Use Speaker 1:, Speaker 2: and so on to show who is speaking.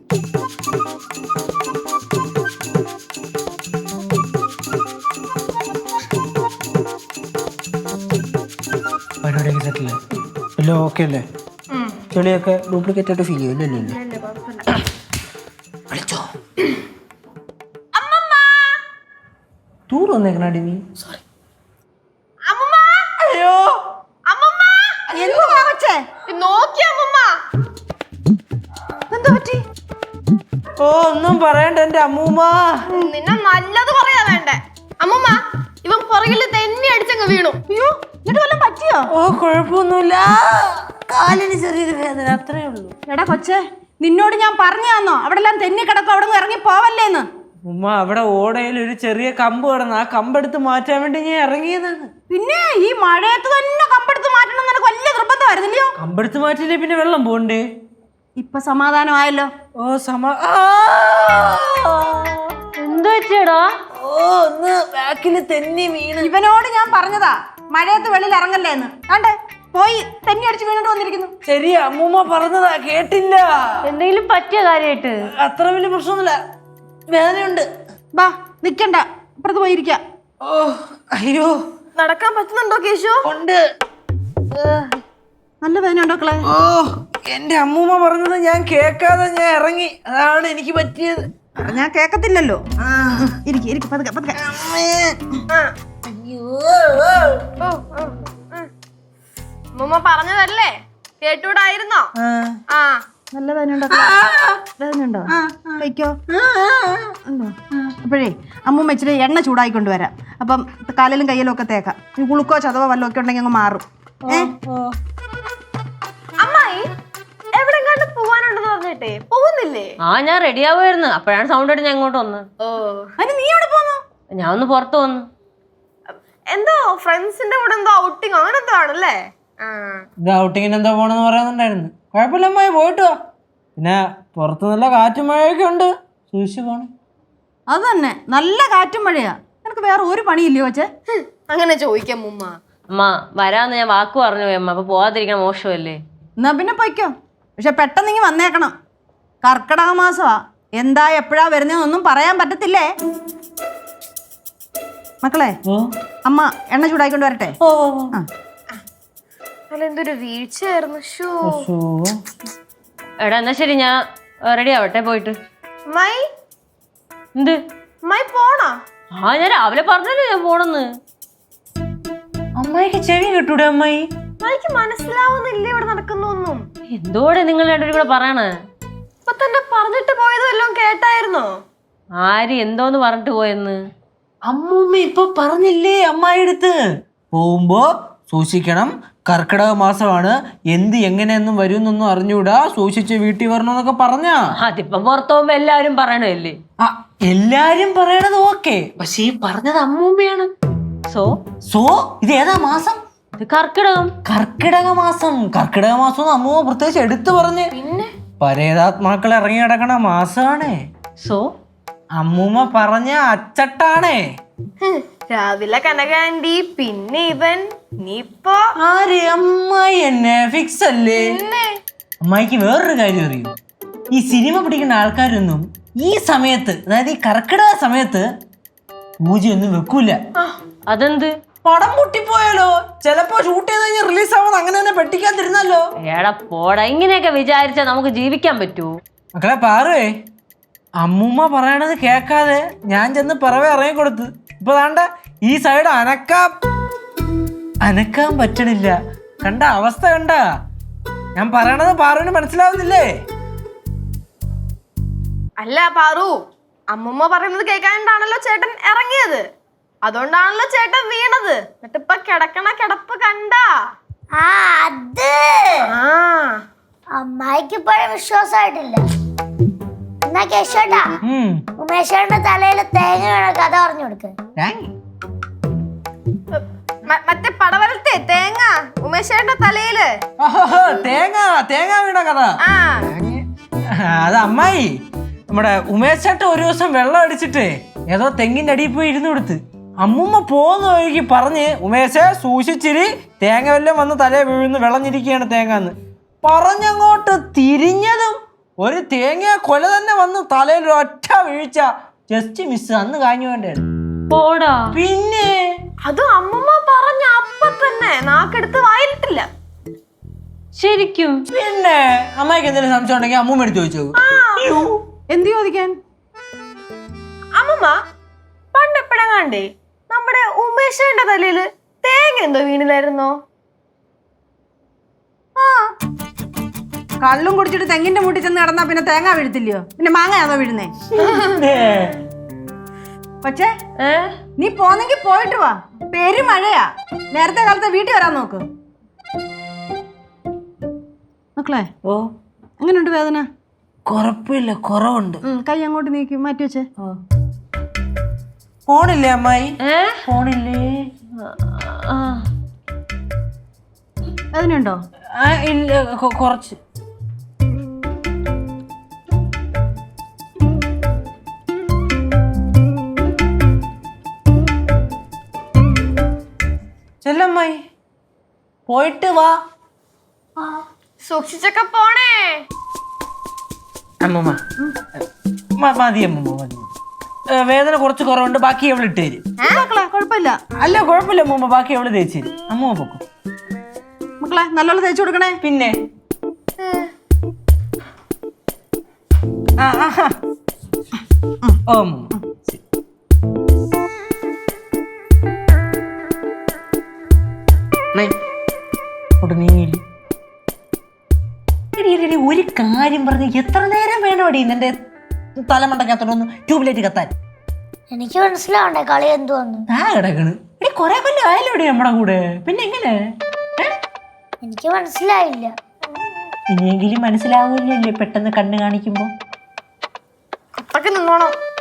Speaker 1: പരിപാടിയൊക്കെ സെറ്റില്ലേ? എല്ലാം ഓക്കെ അല്ലേ? ചെളിയൊക്കെ ഡ്യൂപ്ലിക്കേറ്റ് ആയിട്ട് ഫീൽ ചെയ്യും അല്ലേ? വിളിച്ചോ ടൂർ വന്നേക്കണാടി നീ? സോറി. അയ്യോ ഓ ഒന്നും പറയണ്ട എന്റെ അമ്മൂമ്മ.
Speaker 2: നിന്നെ നല്ലത് പറയാ വേണ്ടേ അമ്മൂമ്മ. ഇവൻ പുറകില് തെന്നി അടിച്ചങ്ങ് വീണു. അയ്യോ എന്നിട്ട് വല്ലതും പറ്റിയോ?
Speaker 1: ഓ കുഴപ്പമൊന്നുമില്ല, കാലിന് ചെറിയൊരു വേദന, അത്രേ ഉള്ളൂ.
Speaker 3: എടാ കൊച്ചേ, നിന്നോട് ഞാൻ പറഞ്ഞു തന്നോ അവിടെ എല്ലാം തെന്നി കിടക്കും, അവിടെ നിന്ന് ഇറങ്ങി പോവല്ലേന്ന്?
Speaker 1: ഉമ്മ അവിടെ ഓടയിൽ ഒരു ചെറിയ കമ്പ് കിടന്നു, ആ കമ്പെടുത്ത് മാറ്റാൻ വേണ്ടി ഞാൻ ഇറങ്ങിയതാണ്.
Speaker 3: പിന്നെ ഈ മഴയത്ത് തന്നെ കമ്പെടുത്ത് മാറ്റണം എന്ന് എനിക്ക് വലിയ നിർബന്ധമായിരുന്നില്ലയോ?
Speaker 1: കമ്പെടുത്ത് മാറ്റില്ലേ പിന്നെ വെള്ളം പോണ്ടേ?
Speaker 3: ഇപ്പൊ സമാധാനമായല്ലോ.
Speaker 1: ഓ
Speaker 3: എന്ത് പറ്റിയടാ?
Speaker 1: ഓ ഒന്ന് ബാക്കില് തെന്നി വീണ്.
Speaker 3: ഇവനോട് ഞാൻ പറഞ്ഞതാ മഴയത്ത് വെളിയിൽ ഇറങ്ങല്ലേന്ന്. ആണ്ടേ പോയി തെന്നി അടിച്ച് വീണിട്ട് വന്നിരിക്കുന്നു.
Speaker 1: ശരി അമ്മൂമ്മ പറഞ്ഞതാ, കേട്ടില്ല.
Speaker 3: എന്തെങ്കിലും പറ്റിയ കാര്യമായിട്ട്?
Speaker 1: അത്ര വലിയ പ്രശ്നമൊന്നുമില്ല, വേദനയുണ്ട്.
Speaker 3: ബാ നിക്കണ്ട, അപ്പുറത്ത് പോയിരിക്ക.
Speaker 1: ഓ അയ്യോ
Speaker 2: നടക്കാൻ പറ്റുന്നുണ്ടോ കേശു?
Speaker 1: ഉണ്ട്.
Speaker 3: നല്ല വേദന ഉണ്ടോക്കളെ?
Speaker 1: ഓ എന്റെ അമ്മൂമ്മ പറഞ്ഞത് ഞാൻ കേൾക്കാതെ ഞാൻ ഇറങ്ങി, അതാണ് എനിക്ക് പറ്റിയത്.
Speaker 3: ഞാൻ കേക്കത്തില്ലല്ലോ. ഇരിക്കും പതുക്കെ പതുക്കെ.
Speaker 2: അമ്മൂമ്മ പറഞ്ഞതല്ലേ, കേട്ടൂടായിരുന്നോ? ആ
Speaker 3: നല്ല വേദന ഉണ്ടോ? വേദന ഉണ്ടോ? കഴിക്കോ? ഉണ്ടോ? അപ്പോഴേ അമ്മൂമ്മ ഇച്ചിരി എണ്ണ ചൂടായി കൊണ്ടുവരാം. അപ്പം കാലിലും കയ്യിലും ഒക്കെ തേക്കാം. ഈ കുളുക്കോ ചതവോ വല്ലതും ഒക്കെ ഉണ്ടെങ്കിൽ അങ്ങ് മാറും.
Speaker 2: അമ്മായി എവിടെങ്ങാണ്ട് പോവാനുണ്ടെന്ന് പറഞ്ഞിട്ടേ പോകുന്നില്ലേ?
Speaker 4: ഞാൻ റെഡി ആവുമായിരുന്നു, അപ്പോഴാണ് സൗണ്ട് ആയിട്ട് ഞാൻ ഇങ്ങോട്ട് വന്നത്.
Speaker 2: ഓ
Speaker 3: അതിന് നീ എവിടെ പോന്നു?
Speaker 4: ഞാൻ ഒന്ന് പുറത്ത് വന്നു.
Speaker 2: എന്തോ ഫ്രണ്ട്സിന്റെ കൂടെ എന്തോ ഔട്ടിങ് അങ്ങനെ എന്തോ ആണല്ലേ?
Speaker 1: ഇത് ഔട്ടിങ്ങിന് എന്താ പോണെന്ന് പറയുന്നുണ്ടായിരുന്നു. കുഴപ്പമില്ല അമ്മായി, പോയിട്ട് വാ. പിന്നെ പുറത്ത് നല്ല കാറ്റും മഴയൊക്കെ ഉണ്ട്, സൂക്ഷിച്ചു പോണേ.
Speaker 3: അത് തന്നെ, നല്ല കാറ്റും മഴയാ. നിനക്ക് വേറെ ഒരു പണിയില്ലയോ കൊച്ചേ?
Speaker 2: അങ്ങനെ ചോദിക്കാം മുമ്മ.
Speaker 4: അമ്മ വരാന്ന് ഞാൻ വാക്ക് പറഞ്ഞു പോയി അമ്മ, അപ്പൊ പോവാതിരിക്കണം മോശമല്ലേ?
Speaker 3: എന്നാ പിന്നെ പൊയ്ക്കോ, പക്ഷെ പെട്ടെന്ന് ഇങ്ങ് വന്നേക്കണം. കർക്കിടക മാസമാ, എന്താ എപ്പോഴാ വരുന്നതെന്നൊന്നും പറയാൻ പറ്റത്തില്ലേ. മക്കളെ അമ്മ എണ്ണ ചൂടായിക്കൊണ്ട് വരട്ടെ.
Speaker 2: എന്തൊരു വീഴ്ചയായിരുന്നു.
Speaker 4: എടാ എന്നാ ശരി, ഞാൻ റെഡി ആവട്ടെ പോയിട്ട്.
Speaker 2: മൈ
Speaker 4: എന്ത്
Speaker 2: മൈ പോണോ?
Speaker 4: ഞാൻ രാവിലെ പറഞ്ഞല്ലോ ഞാൻ പോണെന്ന്.
Speaker 1: അമ്മായിക്ക് ചെവി കിട്ടൂടെ അമ്മായി?
Speaker 2: മൈക്ക് മനസ്സിലാവുന്നില്ല ഇവിടെ നടക്കുന്നൊന്നും.
Speaker 4: എന്തോടെ നിങ്ങൾ രണ്ടുപേരും കൂടെ പറയണേ?
Speaker 2: ഇപ്പൊ തന്നെ പറഞ്ഞിട്ട് പോയതും എല്ലാം കേട്ടായിരുന്നോ?
Speaker 4: ആര് എന്തോന്ന് പറഞ്ഞിട്ട് പോയെന്ന്?
Speaker 1: അമ്മൂമ്മ ഇപ്പൊ പറഞ്ഞില്ലേ അമ്മായി അടുത്ത്, പോകുമ്പോ സൂക്ഷിക്കണം, കർക്കിടക മാസമാണ്, എന്ത് എങ്ങനെയൊന്നും വരുന്നൊന്നും അറിഞ്ഞൂടാ, സൂക്ഷിച്ച് വീട്ടിൽ വരണമെന്നൊക്കെ പറഞ്ഞാ.
Speaker 4: അതിപ്പം പുറത്തു പോകുമ്പോ എല്ലാരും പറയണല്ലേ?
Speaker 1: എല്ലാരും പറയണത് ഓക്കെ, പക്ഷെ ഈ പറഞ്ഞത് അമ്മൂമ്മയാണ്. സോ ഇത് ഏതാ മാസം?
Speaker 4: കർക്കിടകം.
Speaker 1: കർക്കിടക മാസം. കർക്കിടക മാസം അമ്മൂമ്മ പ്രത്യേകിച്ച് എടുത്തു പറഞ്ഞ്.
Speaker 2: പിന്നെ
Speaker 1: പരേതാത്മാക്കൾ ഇറങ്ങി കിടക്കണ മാസാണേ. അമ്മൂമ്മ പറഞ്ഞ അച്ചട്ടാണേ.
Speaker 2: രാവിലെ കനകാന്റി, പിന്നെ ഇവൻ, നീപ്പോ
Speaker 1: ആര്? അമ്മായി എന്നെ ഫിക്സ് അല്ലേ? അമ്മായിക്ക് വേറൊരു കാര്യം അറിയും, ഈ സിനിമ പിടിക്കുന്ന ആൾക്കാരൊന്നും ഈ സമയത്ത്, അതായത് ഈ കർക്കിടക സമയത്ത് പൂജയൊന്നും വെക്കൂല.
Speaker 4: അതെന്ത്?
Speaker 1: പടം പൊട്ടിപ്പോയാലോ, ചിലപ്പോ ഷൂട്ട് ചെയ്ത് കഴിഞ്ഞാൽ റിലീസ് ആവുന്നത് അങ്ങനെ തന്നെ പെട്ടിക്കാതിരുന്നല്ലോ.
Speaker 4: എടാ പോടാ, ഇങ്ങനെയൊക്കെ വിചാരിച്ചാ നമുക്ക് ജീവിക്കാൻ പറ്റൂ?
Speaker 1: മക്കളെ പാറുവേ, അമ്മൂമ്മ പറയണത് കേക്കാതെ ഞാൻ ചെന്ന് പിറവെ ഇറങ്ങി കൊടുത്ത്. ഇപ്പൊ താണ്ട ഈ സൈഡ് അനക്കാൻ പറ്റണില്ല. കണ്ട അവസ്ഥ കണ്ട? ഞാൻ പറയണത് പാറുവിന് മനസ്സിലാവുന്നില്ലേ?
Speaker 2: അല്ല പാറു, അമ്മൂമ്മ പറയുന്നത് കേൾക്കാണ്ടാണല്ലോ ചേട്ടൻ ഇറങ്ങിയത്, അതുകൊണ്ടാണല്ലോ ചേട്ടൻ വീണത്. എന്നിട്ടിപ്പൊ കിടക്കണ കിടപ്പ് കണ്ടാ?
Speaker 5: അമ്മായിക്ക് ഇപ്പോഴും വിശ്വാസമായിട്ടില്ല. എന്നാ കേശോട്ടാ, ഉമേശേട്ടന്റെ തലയിൽ തേങ്ങ വീണ കഥ പറഞ്ഞു കൊടുക്ക്.
Speaker 2: മറ്റേ പടവലത്തെ തേങ്ങ ഉമേശേട്ടന്റെ തലയില്
Speaker 1: തേങ്ങ വീണ കഥ. അത് അമ്മായി, നമ്മുടെ ഉമേശേട്ട ഒരു ദിവസം വെള്ളം അടിച്ചിട്ട് ഏതോ തെങ്ങിന്റെ അടിയിൽ പോയി ഇരുന്ന് കൊടുത്ത്. അമ്മൂമ്മ പോകുന്ന വഴിക്ക് പറഞ്ഞ്, ഉമേശെ സൂക്ഷിച്ചിരി, തേങ്ങ വല്ലതും വന്ന് തലേ വീഴുന്നു, വിളഞ്ഞിരിക്കുകയാണ് തേങ്ങന്ന് പറഞ്ഞങ്ങോട്ട് തിരിഞ്ഞതും ഒരു തേങ്ങ കൊല തന്നെ വന്ന് തലയിൽ ഒറ്റ വീഴ്ച. Just miss. അന്ന് കാഞ്ഞു വേണ്ടത്.
Speaker 4: പോടാ.
Speaker 1: പിന്നെ
Speaker 2: അത് അമ്മമ്മ പറഞ്ഞ അപ്പൊ തന്നെ നാക്കെടുത്ത് വായിലിട്ടില്ല.
Speaker 4: ശരിക്കും?
Speaker 1: പിന്നെ അമ്മയ്ക്ക് എന്തെങ്കിലും സംശയം ഉണ്ടെങ്കിൽ അമ്മൂമ്മ എടുത്ത് ചോദിച്ചു.
Speaker 3: എന്ത് ചോദിക്കാൻ?
Speaker 2: അമ്മമ്മ പണ്ട് എപ്പോഴെങ്ങാണ്ടേ നമ്മുടെ ഉമേഷന്റെ തലയില് തേങ്ങ എന്തോ വീണില്ലായിരുന്നോ?
Speaker 3: കള്ളും കുടിച്ചിട്ട് തെങ്ങിന്റെ മുട്ടിൽ ചെന്ന് കിടന്നാ പിന്നെ തേങ്ങ വീഴത്തില്ലയോ? പിന്നെ മാങ്ങയാണോ വീഴുന്നേ? പക്ഷേ നീ പോന്നെങ്കി പോയിട്ട് വാ. പെരുമഴയാ. നേരത്തെ കാലത്തെ വീട്ടിൽ വരാൻ നോക്ക്. മക്കളെ
Speaker 1: ഓ
Speaker 3: എങ്ങനെയുണ്ട് വേദന?
Speaker 1: കുഴപ്പമില്ല, കുറവുണ്ട്.
Speaker 3: കൈ അങ്ങോട്ട് നീക്കി മാറ്റി വെച്ചേ.
Speaker 1: ഫോണില്ലേ അമ്മായി? ഫോണില്ലേ?
Speaker 3: വേദനയുണ്ടോ?
Speaker 1: ഇല്ല, കുറച്ച്. ചെല്ലമ്മായി പോയിട്ട് വാ.
Speaker 2: സൂക്ഷിച്ചൊക്കെ പോണേ.
Speaker 1: അമ്മൂമ്മ മതി അമ്മൂമ്മ മതി. വേദന കുറച്ച് കുറവുണ്ട്, ബാക്കി അവൾ ഇട്ട് തരും.
Speaker 3: മക്കളെ കുഴപ്പമില്ല.
Speaker 1: അല്ല കുഴപ്പമില്ല അമ്മൂമ്മ, ബാക്കി അവള് തേച്ച് തരും. അമ്മൂമ്മ പൊക്കും.
Speaker 3: മക്കളെ നല്ലോണം തേച്ചു കൊടുക്കണേ.
Speaker 1: പിന്നെ ഓ അമ്മൂമ്മ ശരി. ഒരു കാര്യം പറഞ്ഞ് എത്ര നേരം വേണോടി നിന്റെ തലമണ്ടക്കത്തോടൊന്ന് ട്യൂബ്ലൈറ്റ് കത്താൻ?
Speaker 5: എനിക്ക് മനസ്സിലാവണ്ടേ കളി എന്തുവന്ന്?
Speaker 1: ആ കിടക്കണ് എടി, കൊറേ കൊല്ലം ആയാലോടി നമ്മുടെ കൂടെ. പിന്നെ എങ്ങനെ?
Speaker 5: എനിക്ക് മനസ്സിലായില്ല.
Speaker 1: ഇനിയെങ്കിലും മനസ്സിലാവൂല്ലേ പെട്ടെന്ന് കണ്ണ് കാണിക്കുമ്പോ?
Speaker 2: അപ്പൊക്കെ നിന്നോണം.